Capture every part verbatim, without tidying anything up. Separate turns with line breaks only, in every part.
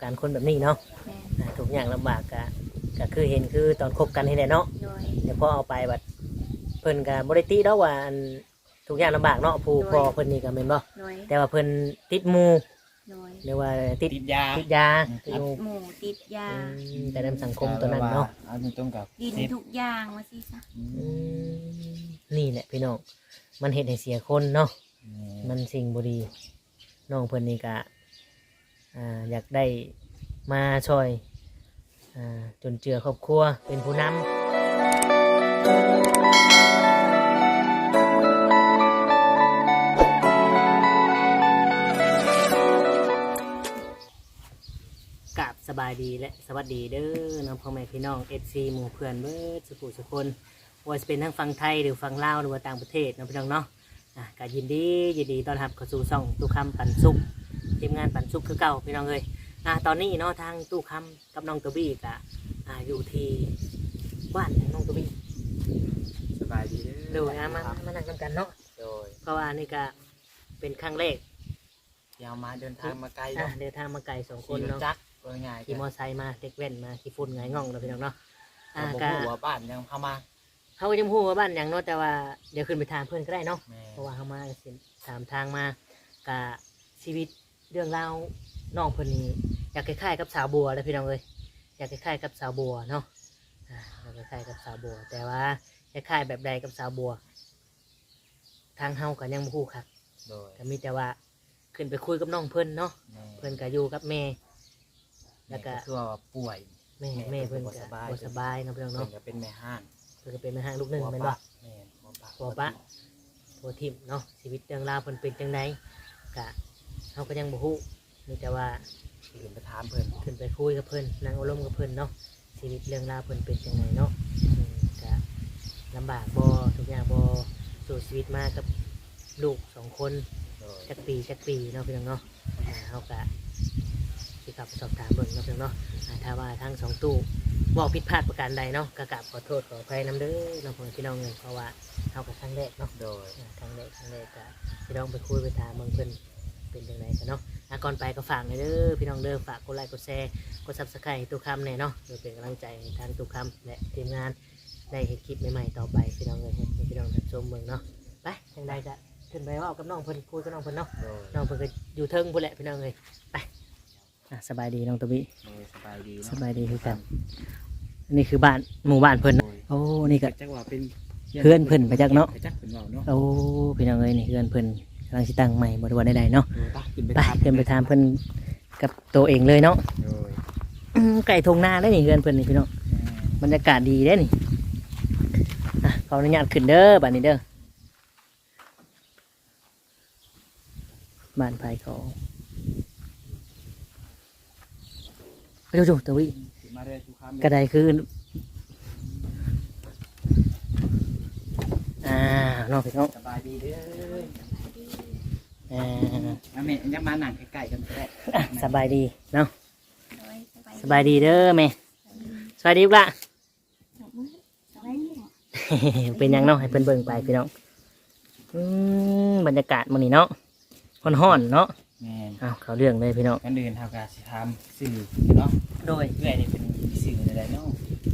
การณ์คนแบบนี้เนาะทุกอย่างลำบากก็ก็คือเห็นคือตอนคบกันนี่แหละเนาะแต่พอเอาไปบัดเพิ่นก็บ่ได้ติดอกว่าทุกอย่างลำบากเนาะผู้พ่อเพิ่นนี่ก็แม่นบ่แต่ว่าเพิ่นติดหมู่หรือว่าติด
ติดยา
ติดยา
ติดหมู่ติดยา
แต่ในสังคมตัวนั้นเนาะ
เอาตรงกับ
กินทุกอย่างว่าสิซะ
นี่แหละพี่น้องมันเฮ็ดให้เสียคนเนาะมันสิ่งบ่ดีน้องเพิ่นนี่ก็อ่าอยากได้มาช่วยอ่าจนเจือครอบครัวเป็นผู้นำกราบสบายดีและสวัสดีเด้อน้องพ่อแม่พี่น้อง เอฟ ซี หมู่เพื่อนเบิดสุขุสุคนว่าจะเป็นทั้งฝั่งไทยหรือฝั่งลาวหรือว่าต่างประเทศน้องพี่น้องเนาะอ่ะก็ยินดียินดีต้อนรับเข้าสู่ช่องตู้คำปันสุขทีมงานปันสุขคือเก่าพี่น้องเลยอ่ะตอนนี้เนาะทางตู้คำกับน้องตัวบี้ก็อ่าอยู่ที่บ้านของน้องตัวบี้
สบายดีเด้อ
ดูนะมามานั่งกันเนาะ
โดย
เพราะว่านี่ก็เป็นครั้งแรก
ยาวมาเดินทางมาไกล
เนาะเดินทางมาไกลสองคนเนาะ
จักง่าย
ขี่มอไซค์มาเด็กแว่นมาขี่ฝุ่นไงง่องเราพี่น้องเนาะ
อ่าก็หัวบ้านยังเข้ามา
เขาก็ยังพูดว่าบ้านอย่างเนาะแต่ว่าเดี๋ยวขึ้นไปถามเพื่อนก็ได้เนาะเพราะว่าเขามาถามทางมากะชีวิตเรื่องราวน้องเพิ่นนี่อยากคล้ายๆกับสาวบัวเลยพี่น้องเลยอยากคล้ายๆกับสาวบัวเนาะอ่าอยากคล้ายๆกับสาวบัวแต่ว่าคล้ายๆแบบใดกับสาวบัวทางเฮาก็ยังบ่ฮู้ครับก็มีแต่ว่าขึ้นไปคุยกับน้องเพิ่นเนาะเพิ่นก็อยู่กับแม่แล้วก็
คือว่าป่วย
แม่แม่เพิ่นก็บ่สบายเนาะพี่น้องเนาะ
เพิ่นก็เป็นแม่ห้าง
เพิ่นก็เป็นแม่ห้างลูกหนึ่งแม่นบ่ผัวปะผัวทิมเนาะชีวิตเรื่องราวเพิ่นเป็นจังไดก็เฮาก็ยังบ่ฮู้มีแต่ว่า
ขึ้นไปถามเพิ่น
ขึ้นไปคุยกับเพิ่นนั่งอารมณ์กับเพิ่นเนาะชีวิตเรื่องราวเพิ่นเป็นจังไดเนาะก็ลำบากบ่ทุกอย่างบ่สู้ชีวิตมากับลูกสองคนจักปีจักปีเนาะพี่น้องเนาะอ่าเฮาก็สิกลับสอบถามเบิ่งเนาะพี่น้องเนาะถ้าว่าทั้งสองตู้บอกผิดพลาดประการใดเนาะก็กราบขอโทษขออภัยนำเด้อน้องพี่น้องเลยเพราะว่าเฮากับครั้งแรกเนาะ
โดย
ครั้งแรกครั้งแรกก็พี่น้องไปคุยไปถามเบิ่งเพิ่นเป็นจังไดกันเนาะก่อนไปก็ฝากเลยเด้อพี่น้องเด้อฝากกดไลค์กดแชร์กด ซับสไครบ์ ตู้คำเนี่ยเนาะเพื่อเป็นกำลังใจทางตู้คำและทีมงานได้เห็นคลิปใหม่ๆต่อไปพี่น้องเลยให้พี่น้องรับชมเบิ่งเนาะไปจังใดก็ขึ้นไปว่ากับน้องเพิ่นคุยกับน้องเพิ่นเนาะน้องเพิ่นก็อยู่เทิงพุ่นแหละพี่น้องเลยไปสบายดีน้องตะบิ
สบายดี
สบายดีคือกันนี่คือบ้านหมู่บ้านเพิ่นโอ้นี่ก็
จักว่าเป็น
เพื่อนเพิ่นไปจักเนาะ
โอ้
พี่น้องเอ้ยนี่เพื่อนเพิ่นกำลังสิตั้งใหม่บ่ได้ว่าใดๆเนาะไปเพิ่นไปถามเพิ่นกับตัวเองเลยเนาะไก่ทงนาได้นี่เพื่อนเพิ่นนี่พี่น้องบรรยากาศดีได้นี่อ่ะขออนุญาตขึ้นเด้อบ้านนี้เด้อบ้านไผเขาไปดูๆตัววิกระไดคืออ่าน้องพี่น้อง
สบายดีเด้อ
อ่า
แม่ยังมาหนังใกล้ๆกันก็ได้
สบายดีเนาะสบายดีเด้อแม่สบายดีปะเป็นยังเนาะให้เพิ่นเบิ่งไปพี่น้องบรรยากาศมื้อนี้เนาะฮ้อนๆเนาะ
แม่น
อ้าวเขาเรื่องเลยพี่น้อง
กันเดินทางการสิทำสื่อเนาะ
โดย
เรื่อยนี่เป็นสื่ออะไรเนาะ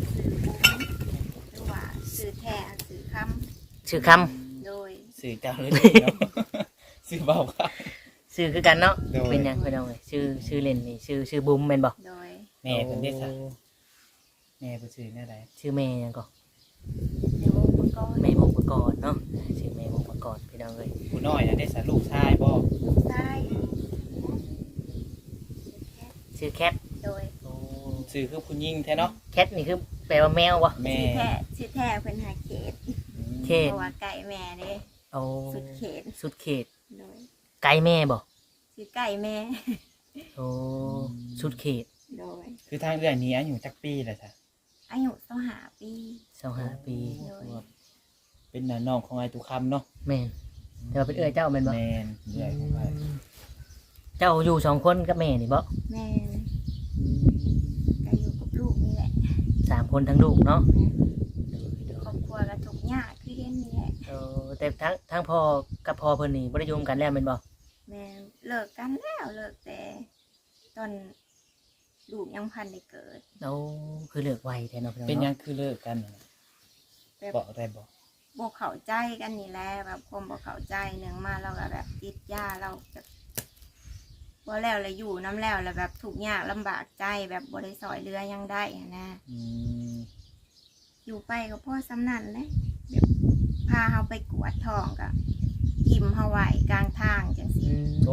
คือว่าสื่อแท้สื่อคำ
ชื่อค
ำโดย
สื่อเจ้าเลยเนาะสื่อเบาครับ
ชื่อคือกันเนาะเป็นยังพี่น้องเลยชื่อชื่อเล่นนี่ชื่อชื่อบุ้มแม่นบ่
โดย
แม่เป็นเด็กค่ะแม่เป็นชื่อแม่อะไร
ชื่อแม่ยังก็
แม่วงประกอบ
แม่วงประกอบเนาะชื่อแม่วงประกอบพี่น้องเลย
ผู้น้อยนะได้สาลูกชายบ่
ใช่
ชื่อแคท
โดย
ชื่อคือผู้หญิงแท้เนาะ
แคทนี่คือแปลว่าแมวบ่
แม่
ชื่อแท้ชื่อแท้เป็นหาเขต
เขต
เพราะว่าไก่แม่เด้
โอ้
สุดเขต
สุดเขต
โดย
ไก่แม่บ่
ชื่อไก่แม่
โอ้สุดเขต
โดย
คือทางเรื่องนี้อายุจักปีเลยค่ะ
อายุสองห้าปี
สองห้าปี
เป็นน้องของไอ้ตุคำเนาะ
แม่นแต่ว่าเป็นเอื้อยเจ้าแม่นบ่
แม่นเอื้อยของไอ้
เจ้าอยู่สองคนกับแม่นี่บ่
แม่ก็อยู่กับลูกนี่แหละ
สามคนทั้งลูกเนาะ
ครอบครัวก็ทุกข์ยากคือเห็นนี่แหละ
เออแต่ทั้งทั้งพ่อกับพ่อเพิ่นนี่บ่ได้อยู่กันแล้วแม่นบ่
แม่เลิกกันแล้วเลิกแต่ตอนลูกยังพันได้เกิด
เอาคือเลิกไวแท้เนาะพี่น้อง
เป็นหยั
เนาะ
งคือเลิกกันน่ะ
แบบ
บอกได้บ่
บ่เข้าใจกันนี่แหละแบบความบ่เข้าใจหนึ่งมาเราก็แบบติดยาเราแบบบ่แล้วเลยอยู่น้ำแล้วแล้วแบบทุกข์ยากลำบากใจแบบบ่ได้ซอยเรือยังได้อะนะ
อืม
อยู่ไปก็พ่อสำนันเลยแบบพาเขาไปกวดทองก็ทิมเขาไว้กลางทางจังสิ
อืม
โอ้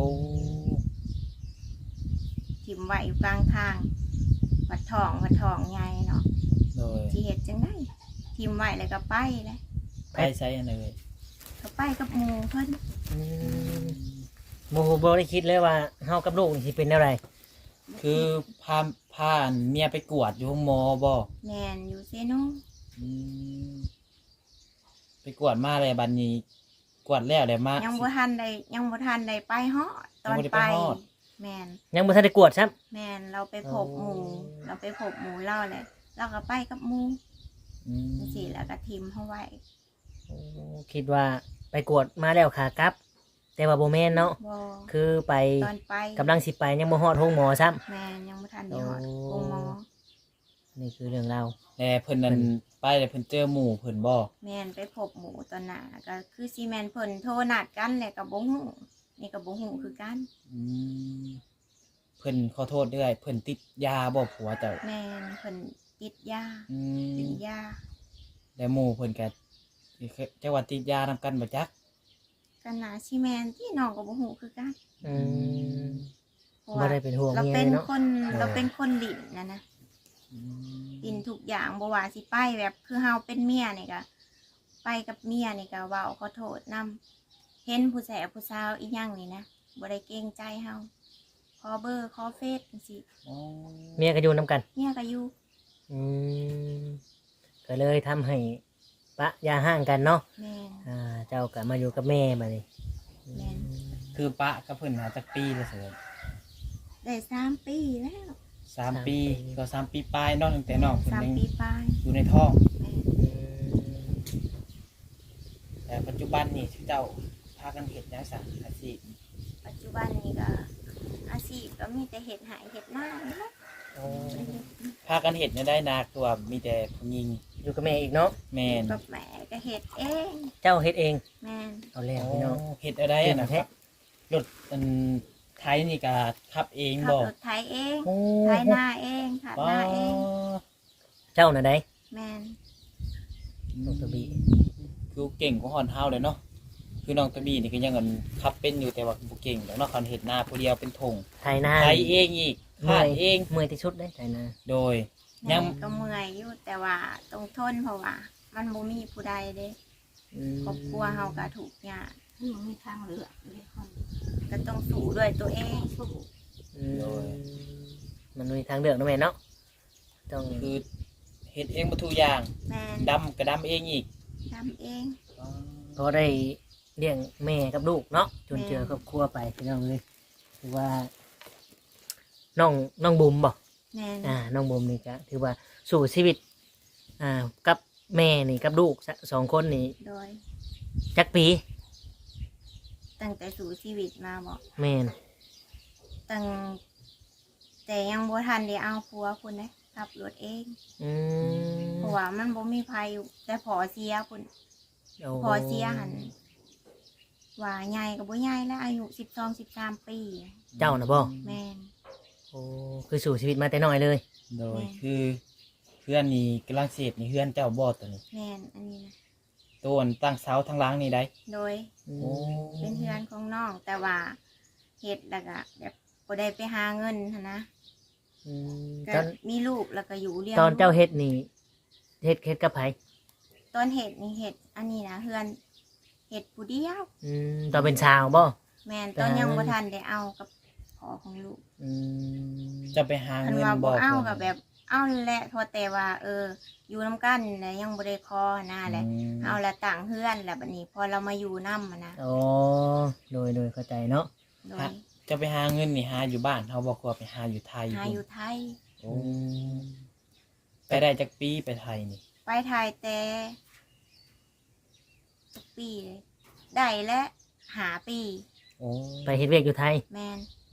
ทิมไว้อยู่กลางทางวัดทองวัดทองใหญ่เนาะ
โดย
ที่เห็ดจังได้ทิมไว้เลยก็ไปเลย
ไปใช้อันเลย
ก็ไปกับหมูเพิ่น
อืมโมโหบ่ได้คิดเลยว่าเฮากับลูกนี่สิเป็นอะไร
คือพาพาเมียไปกวดอยู่ห้องหมอบ่
แมนอยู่เซโน
อืมไปกวดมาเลยบัดนี้ กวดแล้วเลยมา
ยังบ่ทันได้ยังบ่ทันได้ไปฮอดตอน
ยังบ่ได้
ไป
ไปฮอด
แมน
ยังบ่ทันได้กวดซ้ำ
แมนเราไปพบ
อ๋อ
หมูเราไปพบหมูเล่าเลยเราก็ไปกับหมู
อืม
จังสิแล้วก็ทิมเขาไว้
โอ้คิดว่าไปกวดมาแล้วขากลับ แต่ว่าบ่แม่นเนาะ
บ่
คือไป
ตอนไป
กำลังสิไปยังบ่ฮอดห้องหมอซ้ำ
แมนยังไม่ทันได้หอด
โอ้
โงหมอ
นี่คือเรื่องราว
แต่เพิ่นนั่นไปแล้วเพิ่นเจอหมู่เพิ่นบ่
แมนไปพบหมูตอนหน้าก็คือซีแมนเพิ่นโทรนัดกันแหละกับบ่ฮู้นี่กับบ่ฮู้คือกัน
อืมเพิ่นขอโทษด้วยเพิ่นติดยาบ่ผัวเจ้า
แมนเพิ่นติดยา
อืม
ติดยา
แล้วหมู่เพิ่นก็จังหวัดติดยานำกันบ่จัก
กันนาซีแมนที่น้องกับบ่ฮู้คือกัน
อืม
เพราะ
บ่
ว่า
ได้เป็นห่วง
เรา
เมีย
เป็น
เนาะ
คนเราเป็นคนดิ่นนะนะ
อืม
ดิ่นทุกอย่างบ่ว่าสิไปแบบคือเฮาเป็นเมียนี่ก็ไปกับเมียนี่ก็เว้าขอโทษนํเห็นผู้แสบผู้สาวอีหยังนี่นะบ่ได้เกรงใจเฮาขอเบอร์ขอเฟซจังซี่
อ๋อ
เมียก็อยู่นํกัน
เมียก็อยู่
อืมก็เลยทำให้ปะยาห่างกันเนาะ
แม่น
อ่า เจ้าก็มาอยู่กับแม่บัดนี้
แม่น
คือปะกับเพิ่นหาจักปีแล้วเสิร์
ได้สามปีแล้ว
สามปีก็สามปีปลายเนาะตั้งแต่น้องเพิ่น
สาม
ยัง
ปีปลาย
อยู่ในท้อง
แม่น
อืม
แต่ปัจจุบันนี่เจ้าพากันเฮ็ดหยังซะอาชีพ
ปัจจุบันนี้ก็อาชีพก็มีแต่เห็ดหายเห็ดหน้านี่แหละ
โอ้
พากันเฮ็ดเนี่ยได้นาตัวมีแต่ผู้หญิง
อยู่กับแม่อีกเนาะ
แม่น
กับแม่ก็เห็ดเอง
เจ้าเฮ็ดเอง
แม่น
เอาแล้วพี่น้อง
เฮ็ดอะไรอะนะค
แท้
รับรถอันไทยนี่ก็ขับเอง
ขับ
บ่
รถไถเอง
โอ้
ไถหน้าเองขัดหน้าเอง
เจ้าน่ะได้
แม่น
น้องตะบี
คือเก่งกว่าฮอนเฮาเลยเนาะคือน้องตะบี้นี่ก็ยังอันขับเป็นอยู่แต่ว่าบ่เก่งดอกเนาะคันเฮ็ดนาผู้เดียวเป็นธง
ไทยนา
ไทยเองอีก
เมื่
ขา
อ
ด
ย
เอง
เมื่อยที่สุดได้ไทยนา
โดย ยั
ยัง งก็เมื่อยอยู่แต่ว่าต้องทนเพราะว่า มันบ่มีผู้ใดเด้
อืม
ครอบครัวเฮาก็ถูกข์ยาก
มันมีทางเลือกเลยคน
ก็ต้องสู้ด้วยตัวเอง
สู้
อืมมันมีทางเลือกนะแม่เนาะต้อง
คือเฮ็ดเองบ่ทุกอย่าง
แม่น
ดำก็ดำเองอีก
ทำเอง
พอได้เลี้ยงแม่กับลูกเนาะจน
แม่
เจอครอบครัวไปพี่น้องเลยถือว่าน้องน้องบุ๋มบ่
แม่น
อ่าน้องบุ๋มนี่ก็ถือว่าสู่ชีวิต อ่า กับแม่นี่กับลูกสสองคนนี่
โดย
จักปี
ตั้งแต่สู่ชีวิตมาบอก
แม่น
ตั้งแต่ยังบ่ทันได้เอาผัวคุณนะขับรถเอง
อืม
เพราะว่ามันบ่มีภัยอยู่แต่พอเสียคุณ
โอ้
พอเสียหันว่าใหญ่กับบ่ใหญ่แล้วอายุสิบสองสิบสามปี
เจ้านะบ่
แม่น
โอ้คือสู่ชีวิตมาแต่น้อยเลย
โดย
แม่
คือเพื่อนนี่กำลังเสพนี่เพื่อนเจ้าบ่ตัวนี้
แม่นอันนี้นะ
ตัวอันตั้งเสาทั้งหล้างนี่ได้
โดย
โอ้
เป็นเพื่อนของน้อง แต่ว่าเฮ็ดแล้วก็แบบบ่ได้ไปหาเงินหั้นนะ
อืม
ก็
ตอน
มีลูกแล้วก็อยู่เลี้ยง
ตอนเจ้า
ลูก
เฮ็ดนี่เฮ็ดเฮ็ดกับไผ
ตอนเฮ็ดนี่เฮ็ดอันนี้นะเฮือนเฮ็ดผู้เดียว
อืมตอนเป็นชาวบ่
แม่นตอนยังบ่ทันได้เอากับพ่อของลูก
อืม
จะไปหา
คัน
เงิน
ว่า
บ่
บ่เอา
พิ่น
กับแบบเอาแหละพอแต่ว่า เออ อยู่นํกันแล้วยังบ่ได้คอหน้าแหละ
อืม
เอาละต่างเฮือนแล้วบัดนี้ พอเรามาอยู่นำอะนะ
โอ้โดยโดยเข้าใจเนาะ
โด
ฮะ
ย
จะไปหาเงินนี่หาอยู่บ้านเขาบอกว่าไปหาอยู่ไทย
หาอยู่ไทย
โอ้ไปได้จากปีไปไทยนี่
ไปไทยแต่ทุกปีเลยได้และหาปี
โอ้
ไปเฮ็ดเวียกอยู่ไทย
แมน
โ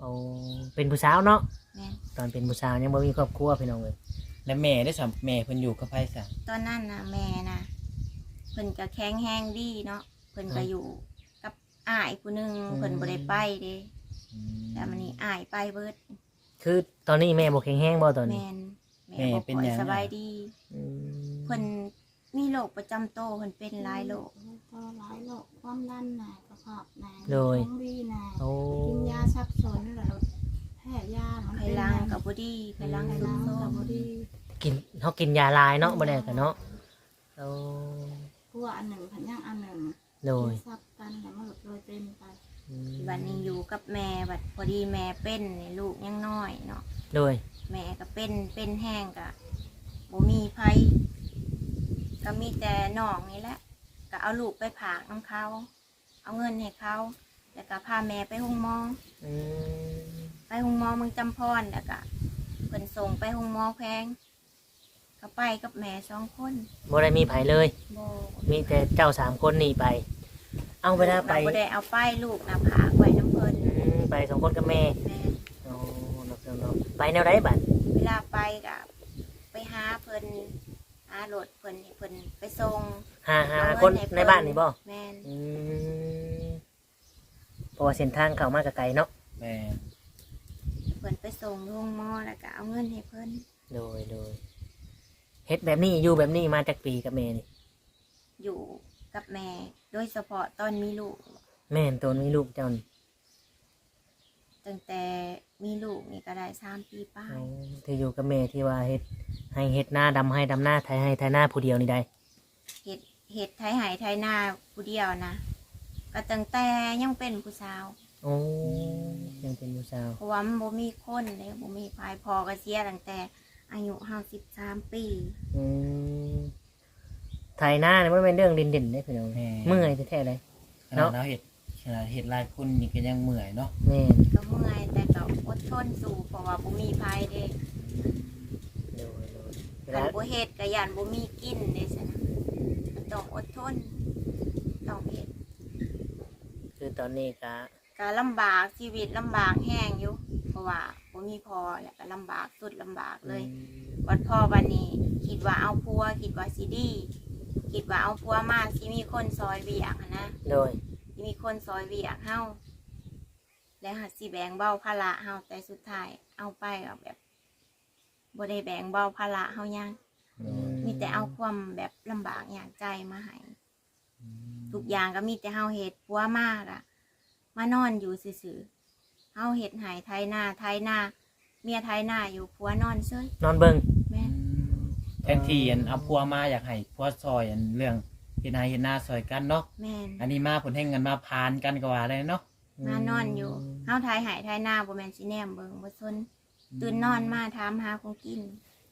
โอ้เป็นผู้สาวเนาะ
แม่น
ตอนเป็นผู้สาวยังบ่มีครอบครัวพี่น้องเลย
แล้วแม่ได้สัมแม่เพิ่นอยู่กับไผซะ
ตอนนั้นน่ะแม่น่ะเพิ่นก็แข็งแรงดีเนาะเพิ่นก็อยู่กับอ้ายผู้หนึงเพิ่นบ่ได้ไปเด้แต่มันนี่อ้ายไปเบิด
คือตอนนี้แม่บ่แข็งแรงบ่ตอนนี้
แม่นแม่บ่ค่อยสบายดี
อืม
เพิ่นมีโรคประจำตัวเพิ่นเป็นหลายโรค
ก็หลายโรคความดันน่ะกระเพาะน่ะ
โดย
ท้องดีน่ะ
โอ้
กินยาซับซ้อนแล้วแพ้ยามัน
ไข
เป็น
ลังก็บ่ดีไขลัง
ไข
สุ
ลั
ด
ง
โทร
ก็
ม
บ่ดี
กินเฮากินยาลายเนาะบ่ได้กันเนาะโอ้
กลัวอันหนึ่งพันย่างอันหนึ่ง
โดย
ซับกันแล้วมันหลุดโดยเป็นไป
อืม
บัดนี้อยู่กับแม่บัดพอดีแม่เป็นนี่ลูกยังน้อยเนาะ
โดย
แม่ก็เป็นเป็นแห้งก็บ่มีไผก็มีแต่น้องนี่แหละก็เอาลูกไปผากน้ำเขา เอาเงินให้เขาแล้วก็พาแม่ไปห้องหมอ
อืม
ไปห้องหมอเมืองจำพรแล้วก็เพิ่นส่งไปห้องหมอแพงก็ไปกับแม่สองคน
บ่ได้มีไผเลย
บ่
มีแต่เจ้าสามคนนี่ไป เอาเวลาไป
บ่ได้เอาไปลูกนะผากไว้น้ำเพิ่น
อืมไปสองคนกับแม่
แม่
โอ้เนาะเนาะไปแนวใดบัด
เวลาไปก็ไปหาเพิ่นหารถเพิ่นให้เพิ่นไปส่ง
หาหา
เอ
คน
เงิให้เพิ่
ในบ้านนี่บ่
แม่น
อืมเพราะว่าเส้นทางเข้ามากับไกลเนาะ
แม่
เพิ่นไปส่งโรงหมอแล้วก็เอาเงินให้เพิ่น
โดยโดยเฮ็ดแบบนี้อยู่แบบนี้มาจากปีกับแม่นี่
อยู่กับแม่ โดยเฉพาะตอนมีลูก
แม่นตนมีลูกเจ้านี่
ตั้งแต่มีลูกนี่ก็ได้สามปีป้า
อ๋
ย
อที่อยู่กับแม่ที่ว่าเฮ็ดให้เฮ็ดหน้าดำให้ดำหน้าไทยให้ไทยหน้าผู้เดียวนี่ได้
เห็ดเห็ดไทยไหไทยนาผู้เดียวนะก็ตั้งแต่ยังเป็นผู้สาว
โอ้ยังเป็นผู้สาว
เพราะว่ามันบ่มีคนเลยบ่มีพายพอก็เสียตั้งแต่อายุห้าสิบสามปี
อืมไทยหน้านี่มันเป็นเรื่องเด่นๆได้พี่น้อง
แม่
เมื่อยแท้ๆเลย
ขนาดเราเฮ็ดขนาดเฮ็ดหลายคนนี่ก็ยังเมื่อยเนาะ
แม่น
ก็เมื่อยแต่ก็อดทนสู้เพราะว่าบ่มีพายเด้
โดยโดยเว
คั
ลาน
บ่เฮ็ดก็ย่านบ่มีกินเด้ซั่นนะมันต้องอดทนต้องเฮ็ด
คือตอนนี้ก็
ก็ลำบากชีวิตลำบากแห้งอยู่ เพราะว่าบ่มีพอแล้วก็ลำบากสุดลำบากเลย วันพ่อวันนี้คิดว่าเอาพัวคิดว่าสิดีคิดว่าเอาพัวมาสิมีคนซอยเวียกหั้นนะ
โดย
สิมีคนซอยเวียกเฮาแล้วหัดสิแบ่งเบาภาระเฮาแต่สุดท้ายเอาไปก็แบบบ่ได้แบ่งเบาภาระเฮายัง มีแต่เอาความแบบลำบากอย่างใจมาให้ทุกอย่างก็มีแต่เฮาเฮ็ดพัวมากอะมานอนอยู่ซื่อๆเฮาเฮ็ดให้ไทยหน้าไทยหน้าเมียไทยหน้าอยู่พัวนอนเฉย
นอนเบิ่ง
แม่น
แทนที่อันเอาพัวมาอยากให้พัวซอยอันเรื่องเฮ็ดนาเฮ็ดนาซอยกันเนาะ
แม่น
อันนี้มาผลแห่งกันมาพานกันก็ว่าเลยเนาะ
มานอนอยู่เฮาทายหายทายหน้าบ่แม่นสิแนมเบิ่งบ่ซนตื่นนอนมาถามหาของกิน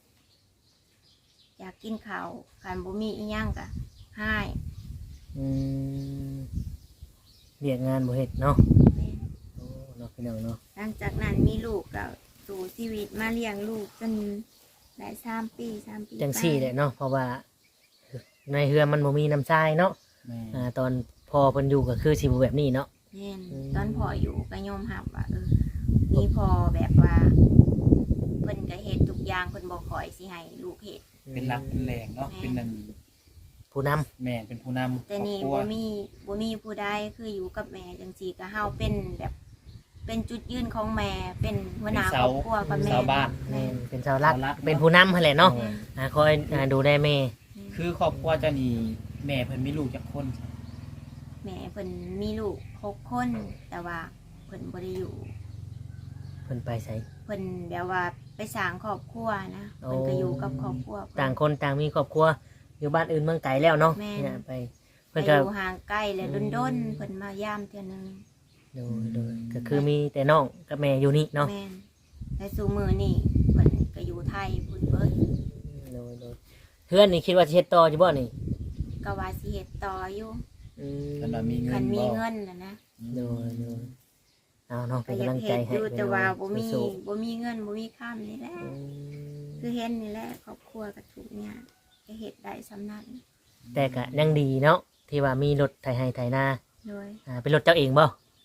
อยากกินข้าวคันบ่มีอีหยังก็หาย
อืมเรียกงานบ่เฮ็ดเนาะ
แม่น
โอ้เนาะพี่น้องเนาะ
หลังจากนั้นมีลูกก็สู่ชีวิตมาเลี้ยงลูกจนได้สามปีสามปี
จังซี่แหละเนาะเพราะว่าในเฮือมันบ่มีน้ำทรายเนาะ
แม่
อ่าตอนพอเพิ่นอยู่ก็คือสิบ่แบบนี้เนาะ
แม่น
อืม
ตอนพ่ออยู่ก็ยอมรับว่าเออมีพ่อแบบว่าเพิ่นก็เฮ็ดทุกอย่างเพิ่นบ่ค่อยสิให้ลูกเฮ็ด
เป็นรักเป็นแรงเนาะเป็นนั่น
ผู้นำ
แม่เป็นผู้นำ
แต่นี่
ครอบครัว
บ่มีบ่มีผู้ใดคืออยู่กับแม่จังซี่ก็เฮาเป็นแบบ เป็นจุดยืนของแม่ เป็นหัวหน้าครอบครัวกับแม่
ชาวบ้าน
แม่นเป็นชาวรัก
ชาวรัก
เป็นผู้นำหั่นแหละเนาะ
โอ้ย
อ่าคอยอ่าดูแลแม่
คือครอบครัวเจ้านี่แม่เพิ่นมีลูกจักคน
แม่เพิ่นมีลูกหกคน แต่ว่าเพิ่นบ่ได้อยู่
เพิ่นไปไส
เพิ่นแบบว่าไปสร้างครอบครัวนะ
โอ้
เพิ่นก็อยู่กับครอบครัวเพิ่น
ต่างคนต่างมีครอบครัวอยู่บ้านอื่นเมืองไกลแล้วเนาะ
แม่น
เนี่ยไป
ไป
เพิ่น
อ
ก็
ยู่ห่างไกลและดนๆเพิ่นมายามเทื่อนึง
ดูดูก็คือมีแต่น้องกับแม่อยู่นี่เนาะ
แม่นแต่สู่มื้อนี้เพิ่นก็อยู่ไทยพุ่นเบิด
ดูดูเพื่อนนี่คิดว่าสิเฮ็ดต่ออยู่บ่นี่
ก็ว่าสิเฮ็ดต่ออยู่
อืม
เพิ่นว่ามีเงิ
คั
น
นมี
บ่
เงินน่ะนะ
ดูดูเอาเนาะ
ก็
เป็น
อยาก
กำลังใจ
เฮ็ด
ให้
อยู่แต่ว่าบ่มี
สู้
บ่มีเงินบ่มีค่ำนี่แหละ
ๆอืม
คือเห็นนี่แหละครอบครัวก็ทุกข์ยากก็เฮ็ดได้สำนั้น
แต่ก็ยังดีเนาะที่ว่ามีรถไถให้ไถนา
โดย
อ่าเป็นรถเจ้าเองบ่
แ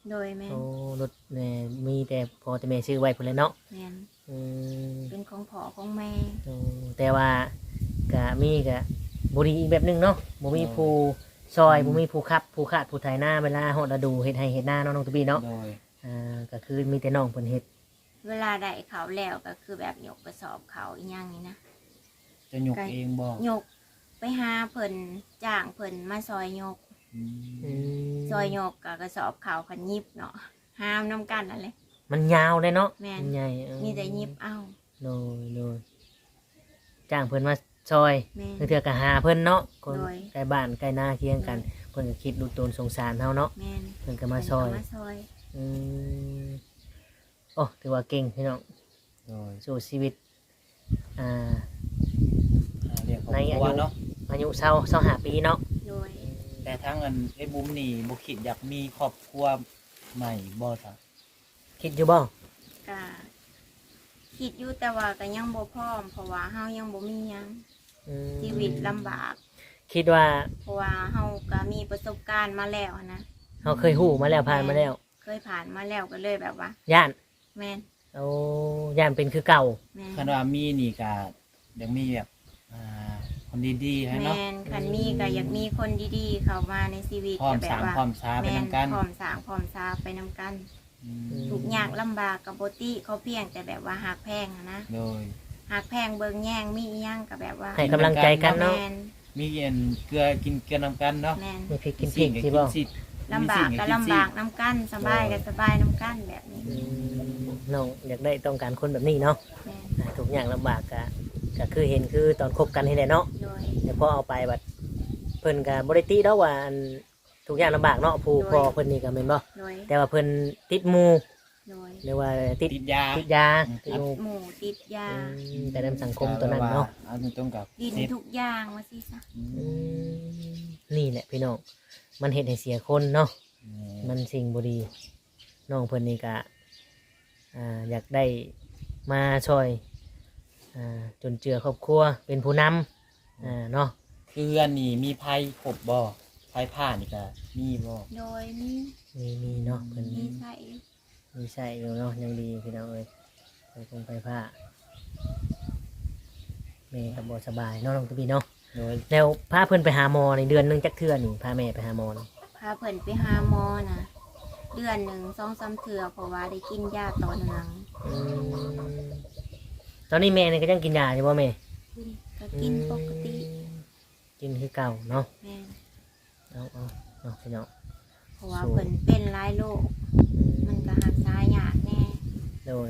โดยแม่น
โอ้รถแม่มีแต่พอแต่แม่ซื้อไว้พุ่นแหละเนาะ
แม่น
อืม
เป็นของพ่อของแม่
อืมแต่ว่าก็มีก็บ่ดีอีกแบบหนึงเนาะบ่มีผู้ซอยบ่มีผู้ขับผู้ขาดผู้ไถนาเวลาฮอดฤดูเฮ็ดให้เฮ็ดนาเนาะน้องตุบี้เนาะ
โดย
อ่าก็คือมีแต่น้องเพิ่นเฮ็ด
เวลาได้เขาแล้วก็คือแบบยกกระสอบเขาอีหยังนี่นะ
จะหยกเองบ่
ยกไปหาเพิ่นจ้างเพิ่นมาซอยยก
อืม
อืม
ซอยยกกับกระสอบเขาคันยิบเนาะห้ามน้ำกันนั่นเลย
มันยาวเลยเนาะ
แม่น
นใหญ่เออ
มีแต่ยิบเอ้า
โดยโดยจ้างเพิ่นมาซอย
แม่น
เทื่อก็หาเพิ่นเนาะคน
โดย
ใกล้บ้านใกล้นาเคียงกัน เพิ่นก็คิดดูตนสงสารเฮาเนาะ
แม่น
เพิ่นก็มาซอย
เพิ่นก็มาซอย
อืมโอ้ถือว่าเก่งพี่น้อง
โดย
สู้ชีวิตอ่า
หาเรียกครอบ
ใน
ค
อา
รัว
ยุ
เนาะ
อายุเศร้าเศร้าหาปีเนาะ
โดย
แต่ทั้งอันไอ้บุ้มนี่บ่คิดอยากมีครอบครัวใหม่บ่ซะ
คิดอยู่บ่
ก็คิดอยู่แต่ว่าก็ยังบ่พร้อม เพราะว่าเฮายังบ่มีหยัง
อืม
ชีวิตลำบาก
คิดว่า
เพราะว่าเฮาก็มีประสบการณ์มาแล้วนะ
เฮาเคยฮู้มาแล้วผ่านมาแล้ว
เคยผ่านมาแล้วก็เลยแบบว่า
ย่าน
แม่น
โอ้ย่านเป็นคือเก่า
แม่
คัน
น
ว่ามีนี่ก็อยากมีแบบอ่าคนดีๆให้เนาะ
แม่นคันมีก็อยากมีคนดีๆ เข้ามาในชีวิต
พร้อม
ก็แบ
สร้า
บ
ง
ว่า
พร้อมช้าไป
แม่
นํกัน
พร้อมสร้างพร้อมซาไปนํกัน
อืม
ทุกอยากลำบากกับโบติเขาเพียงแต่แบบว่าหักแพงอะนะ
โดย
หักแพงเบิ่งแย่งมีอีหยังกับแบบว่า
ให้กำลังใจกันเนาะ
แมน
มีเงินเกลือกินเกลือนํกันเนาะ
แมน
มีพริกกินพริกที่บ่
สิ
ลำบากก็ลำบากน้ำกันสบายก็สบายน้ำกันแบบนี้
อืมน้องอยากได้ต้องการคนแบบนี้เนาะ
แมน
อ่าทุกอย่างลำบากก็ก็คือเห็นคือตอนคบกันนี่แหละเนาะ
โดย
แต่พอเอาไปบัดเพิ่นก็บ่ได้ติดอกว่าอันทุกอย่างลำบากเนาะผู้พ่อเพิ่นนี่ก็แม่นบ่
โดย
แต่ว่าเพิ่นติดหมู่
โดย
หรือว่าติด
ติดยา
ติดยาติดหมู่
หมู่ติดยา
อืมแต่ในสังคมตัวนั้นเนาะ
เอาตรงๆกับ
ดิน
เสพ
ทุกอย่างว่าสิซะ
อื
อื
ม
มนี่แหละพี่น้องมันเฮ็ดให้เสียคนเนาะมันสิ่งบ่ดีน้องเพิ่นนี่ก็อ่าอยากได้มาช่วยอ่าจนเจือครอบครัวเป็นผู้นำอ่าเนาะ
คืออันนี้มีไพ่ครบบ่ไพ่ผ้านี่ก็มีบ่
โดยมี
มีมีเนาะเพิ่น
มีใส่
มีใช่อยู่เนาะยังดีพี่น้องเอ้ยไปคงไปผ้าแม่กับบสบายเนาะน้องตุบีเนาะ
โดย
แล้วพาเพิ่นไปหาหมอในเดือนหนึงจักเทื่อนี่พาแม่ไปหาหมอนี่
พาเพิ่นไปหาหมอนะเดือนหนึ่งสองสามเถื่อเพราะว่าได้กินยาต่อเนื่อง
อืมตอนนี้แม่นี่ก็ยังกินยาอยู่บ่แม่
ก็กินปกติ
อืมกินคือเก่าเนาะ
แม่น
เอาเอาเนาะพี่น้อง
เพราะว่าเพิ่นเป็นหลายโรค
อื
มันก็รักษายากแน่
โดย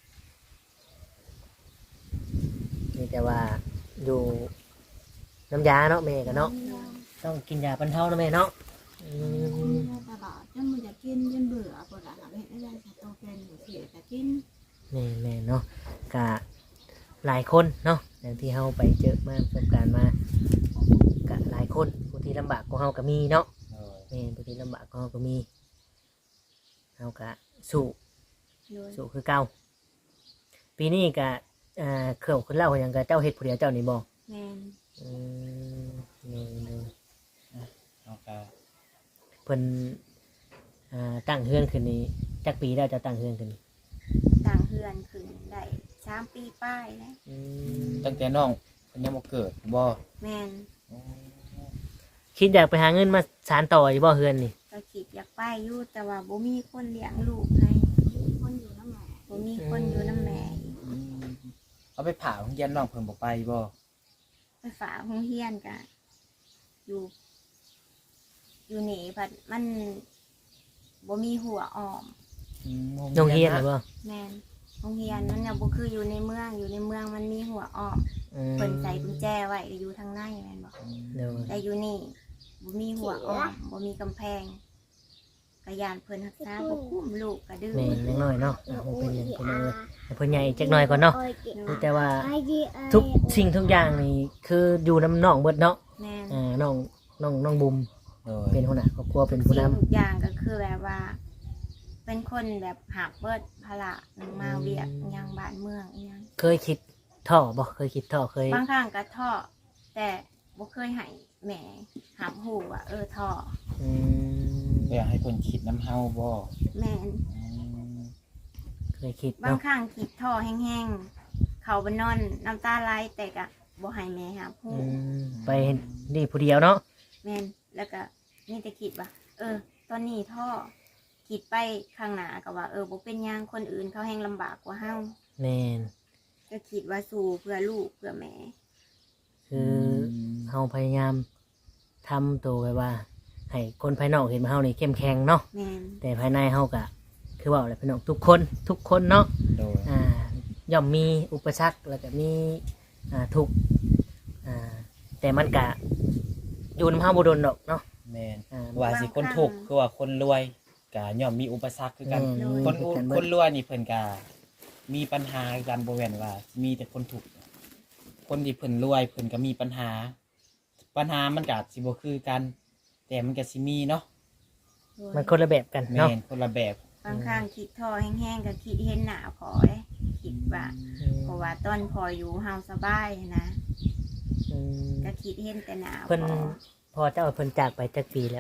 นี่แต่ว่าอยู่น้ำยาเนาะแม่กันเนาะต้องกินยาบรรเทาเนาะแม่เนาะอืม
ตลอดจนมันจะกินจนเบื่อปวดหลังเห็นได้จะโตเป็นหรือเสียจะกิน
แม่แม่เนาะกะหลายคนเนาะอย่างที่เฮาไปเจอมาประสบการณ์มากะหลายคนผู้ที่ลำบากก็เฮาก็มีเนาะ
โดย
แม่ผู้ที่ลำบากก็เฮาก็มีเฮากะสู้
โดย
สู้คือเก่าปีนี้กะอ่าเครื่องคนเล่าอย่างกะเจ้าเฮ็ดผู้เดียวเจ้านี่บ่
แม่น
อืมนี่นี่
เอาก็
เพิ่นอ่าตั้งเฮือนขึ้นนี้จักปีแล้วจะตั้งเฮือนขึ้นนี่
ต่างเฮือนขึ้นได้สามปีป้ายแล้ว
อืม
ตั้งแต่น้องเพิ่นยังบ่เกิดบ่
แม่น
คิดอยากไปหาเงินมาสานต่ออยู่บ่เฮือนนี่
ก็คิดอยากไปอยู่แต่ว่าบ่มีคนเลี้ยงลูกให้
คนอยู่น้ำแหม่
บ่มีคนอยู่น้ำแม่
อืมเอาไปผ่าโรงเรียนน้องเพิ่นบ่ไปบ่
ไปฝากโรงเรียนก็อยู่ อยู่นี่พัดมันบ่มีหัวอ้อม
อืม
โรงเรียนหรือบ่
แม่นโรงเรียนนั่นน่ะบ่คืออยู่ในเมืองอยู่ในเมืองมันมีหัวอ้อม
อืม
เพิ่นใส่กุญแจไว้อยู่ทางในแม่นบ่
เดี๋ยว
แต่อยู่นี่บ่มีหัวอ้อมบ่มีกำแพงกะยานเพิ่นรักษาบ่คุ้มลูกก็ดื้อ
แม่นจักหน่อยเนาะอ่ะมันเป็นอย่างเป็นอย่างเลยให้เพิ่นใหญ่จักหน่อยก่อนเนาะมีแต่ว่าทุกสิ่งทุกอย่างนี่คืออยู่น้ำน้องเบิดเนาะ
แม่น
อ่าน้องน้องน้องบุม
โดย
เป็นหัวหน้าครอบครัวเป็นผู้
สิ่ง
นำ
ทุกอย่างก็คือแบบว่า เป็นคนแบบหักเบิดภาระหนึงมาเวียกอิหยังบ้านเมืองอิหยัง
เคยคิดท่อบ่เคยคิดท่อเคย
บางครั้งก็ท้อแต่บ่เคยให้แม่หับหูว่าเออท้อ
อืม
อยากให้เพิ่นคิดน้ำเฮาบ่
แม่น
อืม
เคยคิด
บาง
เนาะ
ครั้งคิดท่อแห้งๆเขาบนนอนน้ำตาไหลแต่กะบ่ให้แม่หาผู้
อืมไปนี่ผู้เดียวเนาะ
แม่นแล้วก็นี่แต่คิดว่าเออ ตอนนี้ท่อคิดไปข้างหน้าก็ว่าเออบ่เป็นหยังคนอื่นเขาแห้งลำบากกว่าเฮา
แม่น
ก็คิดว่าสู้เพื่อลูกเพื่อแม่
คือเฮาพยายามทำตัวไว้ว่าให้คนภายนอกเห็นว่าเฮานี่เข้มแข็งเนาะ
แม่น
แต่ภายในเฮาก็คือว่าอะไรพี่น้องทุกคนทุกคนเนาะ
โดย
อ่าย่อมมีอุปสรรคแล้วก็มีอ่าทุกข์อ่าแต่มันก็อยู่นำเฮาบ่โดนดอกเนาะ
แม่น
อ่า
ว่าสิคนทุกข์คือว่าคนรวยก็ย่อมมีอุปสรรคคือกัน
แม่
คน
คือกัน
ค
เบิด
นรวยนี่เพิ่นก็มีปัญหากันบ่แม่นว่า มีแต่คนทุกข์คนที่เพิ่นรวยเพิ่นก็มีปัญหา ปัญหามันก็สิบ่คือกัน แต่มันก็สิมีเนาะ
มันคนละแบบกัน
แม่
เนาะ
นคนละแบบ
บางครั้งคิดท่อแห้งๆก็คิดเห็นหน้าพอเลยคิดว่า เพราะว่าตอนพออยู่เฮาสบายนะ
อืม
ก็คิดเห็นแต่หน้าพ
เพิ่น
อ
พอเจ้าเพิ่นจากไปจักปีแล้ว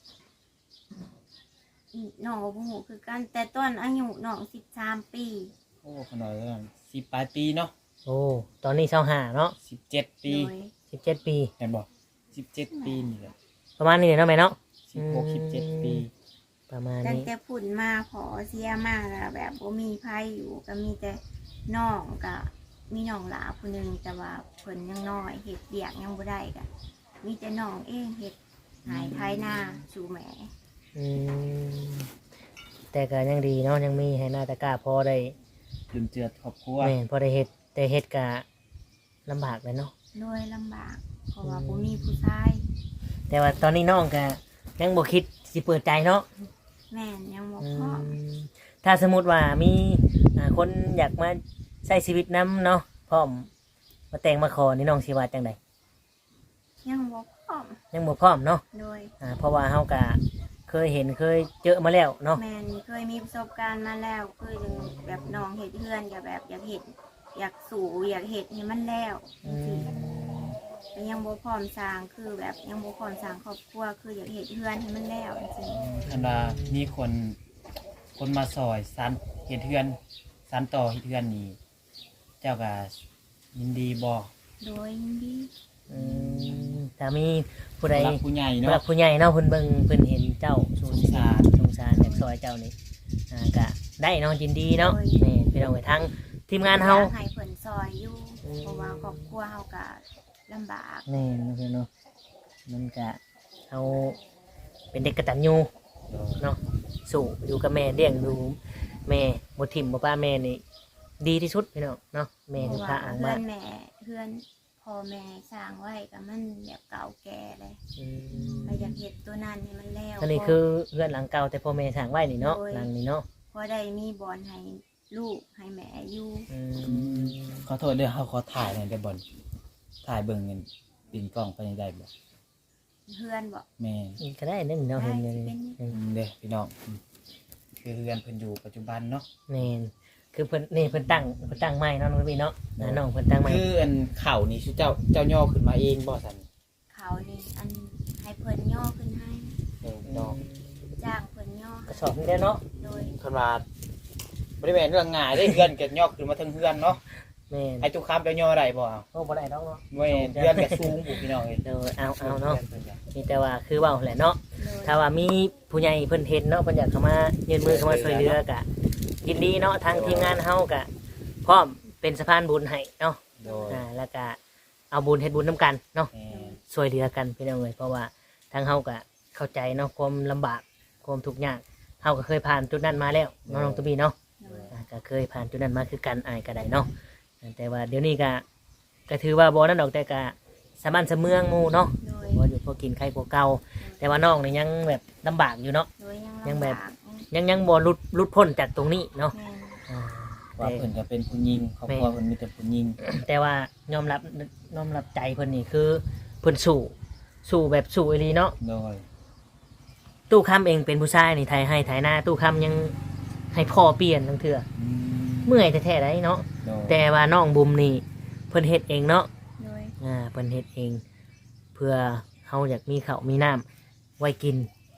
น้องก็บ่ฮู้คือกัน แต่ตอนอายุน้องสิบสามปี
โอ้ขนาดนั้นสิบปลายปีเนาะ
โอ้ตอนนี้เศร้าหาเนาะ
สิบเจ็ดปี
โดย
สิบเจ็ดปี
แม่นบ่สิบเจ็ดปีนี่แหละ
ประมาณนี้เนาะแม่เนาะ
สิบหกสิบเจ็ดปี
ประมาณ
ตั้ง
นี้
แต่พุ่นมาพอเสียมาแล้วแบบบ่มีไผอยู่ก็มีแต่น้องกับมีน้องหลาผู้หนึงแต่ว่าเพิ่นยังน้อยเฮ็ดเบียกยังบ่ได้ก็มีแต่น้องเองเฮ็ดหายไทยหน้าสู่แม่
อืมแต่ก็ยังดีเนาะยังมีให้หน้าตะกร้าพอได้
จุนเจือครอบครัว
แม่นพอได้เฮ็ดแต่เฮ็ดกะลำบากเลยเนาะ
โดยลำบากเพราะว่าบ่มีผู้ชาย
แต่ว่าตอนนี้น้องก็ยังบ่คิดสิเปิดใจเนาะ
แม่นยังบ่
อื
พร้อม
มถ้าสมมุติว่ามีอ่าคนอยากมาใช้ชีวิตนํเนาะพร้อมมาแต่งมาขอนี่น้องสิว่าจังได
ยังบ่พร้อม
ยังบ่พร้อมเนาะ
โดย
อ่าเพราะว่าเฮาก็เคยเห็นเคยเจอมาแล้วเนาะ
แม่นเคยมีประสบการณ์มาแล้วเคยแบบน้องเฮ็ดเฮือนก็แบบอยากเฮ็ดอยากสู่อยากเฮ็ดให้มันแล้ว
อื
จัง
ม
ซี่แต่ยังบ่พร้อมสร้างคือแบบยังบ่พร้อมสร้างครอบครัวคืออยากเฮ็ดเฮือนให้มันแล้วจังซี่
อันว่ามีคนคนมาซอยสานเฮ็ดเฮือนสานต่อเฮ็ดเฮือนนี่เจ้าก็ยินดีบ่
โดยยินดี
อืมถ้ามีผู้ใด
รักผู้ใหญ่
ผู้หลั
เนาะ
กผู้ใหญ่เนาะเพิ่นเบิ่งเพิ่นเห็นเจ้า
สงสาร
สงสารอยากซอยเจ้านี่อ่าก็ได้เนาะยินดีเนาะแม่พี่น้องไปทั้งทีมงานเฮา
อยกให้เพิ่นซอยอยู่
อืม
เพราะว่าครอบครัวเฮาก็ลำบาก
แม่นเนาะพี่เนาะมันก็เอาเป็นเด็กกตัญญูเนาะสู้อยู่กับแม่เลี้ยงดูแม่บ่ทิ่มบ่ป้าแม่นี่ดีที่สุดพี่น้องเนาะแม่
เพ
คือ
ราะ
พระ
ว่า
อ่าง
เพื่
มา
อนแม่เพื่อนพ่อแม่สร้างไว้ก็มันแบบเก่าแก่เลย
อืม
ก็อยากเฮ็ดตัวนั้นให้มันแล้ว
อันนี้คือเรือนหลังเก่าแต่พ่อแม่สร้างไว้นี่เนาะหลังนี้เนาะ
พอได้มีบอลให้ลูกให้แม่อยู่
อืม
ขอโทษเด้อเฮาขอถ่ายหน่อยได้บ่ถ่ายเบิ่งเงินปิ่นกล้องไปได้บ่
เพื่อนบอก
แม่
ก็ได้นั่นเนาะเห็นเลย
ได้
อืม
อืมเด้อพี่น้องอืมคือเฮือนเพิ่นอยู่ปัจจุบันเนาะ
แม่นคือเพิ่นนี่เพิ่นตั้งเพิ่นตั้งไม้เนาะน้องพี่เนาะอ่าน้องเพิ่นตั้งไม้
คืออันเข่านี่ชื่อเจ้าเจ้าย่อขึ้นมาเองบ่ซั่น
เขานี่อันให้เพิ่นย่อขึ้นให้
เด้อพี่น้อง
จ้างเพิ่นย่อก
ระสอบนี่ได้เนาะ
โดย
เพิ่นว่าบ่ได้แม่นเรื่องง่ายเด้เฮือนก็ย่อขึ้นมาทั้งเฮือนเนาะ
แม่น
ให้ทุกคำเจ้าย่อได้บ่เอา
โอ้บ่ได้ดอกเนาะ
แม่นเฮือนก็สูงอยู่พี่น้องเอ้ย
เออเอาเอาเนาะ
เพิ่นก็
มีแต่ว่าคือเว้าแหละเนาะ
โดย
ถ้าว่ามีผู้ใหญ่เพิ่นเห็นเนาะเพิ่นอยากเข้ามายื่นมือเข้ามาช่วยเหลือกะยินดีเนาะทางทีมงานเฮากะพร้อมเป็นสะพานบุญให้เนาะ
โดย
อ่าแล้วก็เอาบุญเฮ็ดบุญนํกันเนาะ
แม่น
ช่วยเหลือกันพี่น้องเอ้ยเพราะว่าทางเฮาก็เข้าใจเนาะความลำบากความทุกข์ยากเฮาก็เคยผ่านจุดนั้นมาแล้วเนาะน้องตุบีเนาะ
โดย
อ่าก็เคยผ่านจุดนั้นมาคือกันอายก็ได้เนาะอ่าแต่ว่าเดี๋ยวนี้ก็ก็ถือว่าบ่นั่นดอกแต่ก็สามัญสะเมืองหมู่เนาะ
โดย
บ่อยู่พอกินไข่กว่าเก่าแต่ว่าน้องนี่ยังแบบลำบากอยู่เนาะ
โดยยัง
ยังแบบ
ลำาก
ยังยังบ่หลุดหลุดพ้นจากตรงนี้เนาะ
แม่น
อ่า
ว่า
แต่
เพิ่นก็เป็นผู้หญิงครอบครัวเพิ่นมีแต่ผู้หญิง
แต่ว่ายอมรับยอมรับใจเพิ่นนี่คือเพิ่นสู้สู้แบบสู้อีหลีเนาะ
โดย
ตู้คำเองเป็นผู้ชายนี่ไทยให้ไทยหน้าตู้คำยังให้พ่อเปลี่ยนทั้งเถื่อ
อืม
เมื่อยแท้ๆได้เนาะ
โดย
แต่ว่าน้องบุมนี่เพิ่นเฮ็ดเองเนาะ
โดย
อ่าเพิ่นเฮ็ดเอง เพื่อเฮาอยากมีข้าวมีน้ำไว้กิน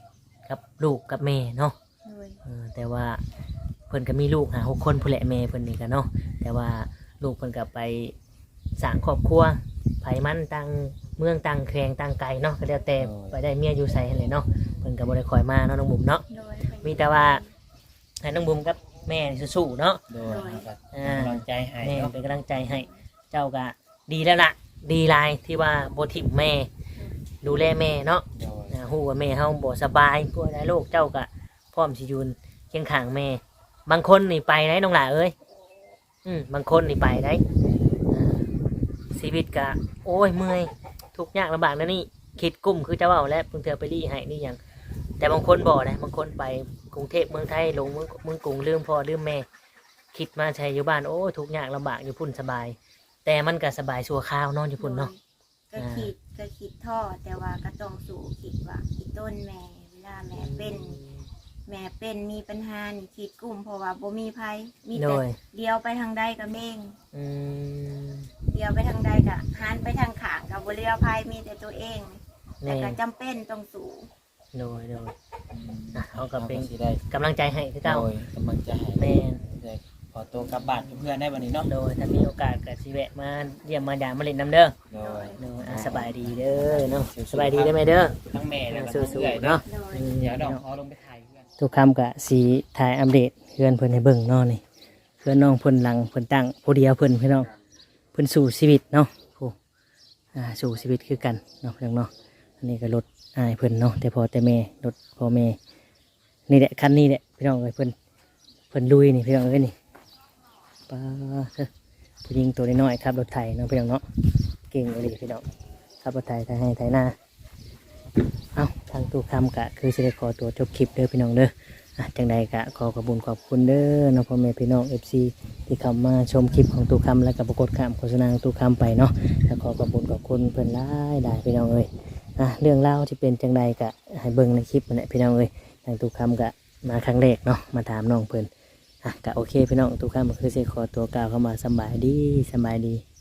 กับลูกกับแม่เนาะ
โดย
เออแต่ว่าเพิ่นก็มีลูกหาหกคนผู้แหละแม่เพิ่นนี่ก็เนาะแต่ว่าลูกเพิ่นก็ไปสร้างครอบครัวไผมันต่างเมืองต่างแขวงต่างไกลเนาะก็แล้วแต่ไปได้เมียอยู่ไสหั่นแหละเนาะเพิ่นก็บ่ได้คอยมาเนาะน้องบุ๋มเนาะ
โดย
มีแต่ว่าให้น้องบุ๋มกับแม่นี่สู้ๆเนาะ
โดย
โดย
ครับ
อ่า
กำลังใจให้
แม่
เนาะ
เป็นกำลังใจให้เจ้าก็ดีแล้วล่ะดีหลายที่ว่าบ่ทิ่มแม่ดูแลแม่เนาะ
โดย
อ่าฮู้ว่าแม่เฮาบ่สบายกลัวได้โรคเจ้าก็พร้อมสิยืนเคียงข้างแม่ บางคนนี่ไปได้น้องหล่าเอ้ยอืมบางคนนี่ไปได้อ่าชีวิตก็โอ้ยเมื่อยทุกข์ยากลำบากนะนี่คิดกุ้มคือเจ้าเว้าแล้วเพิ่งเธอไปรีให้นี่หยังแต่บางคนบ่นะบางคนไปกรุงเทพเมืองไทยลงเมืองเมืองกรุงลืมพ่อลืมแม่ คิดมาใช้อยู่บ้านโอ้ยทุกข์ยากลำบากอยู่พุ่นสบาย แต่มันก็สบายชั่วคราวนอนอยู่พุ่นเนาะ
ก็คิดก็คิดท้อแต่ว่าก็ต้องสู้คิดว่าอีต้นแม่เวลาแม่เป็น แม่เป็นมีปัญหานี่คิดกลุ่มเพราะว่าบ่มีภัยมี
โด
แต่
ย
เดียวไปทางใดกับเม่ง
อืม
เดียวไปทางใดกับหันไปทางขางกับบ่เลียวภัยมีแต่ตัวเองแต่
แม่
ก็จำเป็นต้องสู้
โดยโดย
อืม
อ่ะเขาก็เป็น
สิได้
กำลังใจให้คือเก่า
โดยกำลังใจให้
แม่น
ได้ขอตัวกลับบ้านกับเพื่อนได้วันนี้เนาะ
โดยถ้ามีโอกาสก็สิแวะมาเยี่ยมมาหยามมาเล่นน้ำเด้อ
โดย
โดยอ่ะสบายดีเด้อเนาะสบายดีได้ไหมเด้อ
ทั้งแม่แล้วก็
สู้
ทั้งเอื้อย
ๆ
เนาะ
เนาะ
โดย
อืม
เดี๋ยวดอกขอลงไปถ่ายเพื่อน
ทุกคำกะสีถ่ายอัปเดตเพื่อนเพิ่นให้เบิ่งเนาะนี่เพื่อนน้องเพิ่นหลังเพิ่นตั้งผู้เดียวเพิ่นพี่น้องเพิ่นสู่ชีวิตเนาะผู้อ่าสู่ชีวิตคือกันเนาะพี่น้องเนาะอันนี้ก็รถอายเพิ่นเนาะแต่พอแต่แม่รถพ่อแม่นี่แหละคันนี้แหละพี่น้องเอ้ยเพิ่นเพิ่นลุยนี่พี่น้องเอ้ยนี่ป้าเถอะผู้หญิงตัวน้อยๆครับรถไถเนาะพี่น้องเนาะเก่งเลยพี่น้องขับรถไถไถให้ไถหน้าเอาทางตู้คำกะคือสิได้ขอตัวจบคลิปเด้อพี่น้องเด้อ อ่ะจังใดกะขอขอบคุญขอบคุณเด้อน้องพ่อแม่พี่น้องเอฟซีที่เข้ามาชมคลิปของตู้คำและกับปรากฏคำโฆษณาของตู้คำไปเนาะแล้วขอขอบคุญขอบคุณเพื่อนหลายได้พี่น้องเอ้ยอ่ะเรื่องเล่าวที่เป็นจังใดกะให้เบิ่งในคลิปนั่นแหละพี่น้องเอ้ยทางตู้คำกะมาครั้งแรกเนาะมาถามน้องเพื่อนอ่ะกะโอเคพี่น้องตู้คำก็คือสิขอตัวกล่าวเข้ามาสำบายดีสำบายดี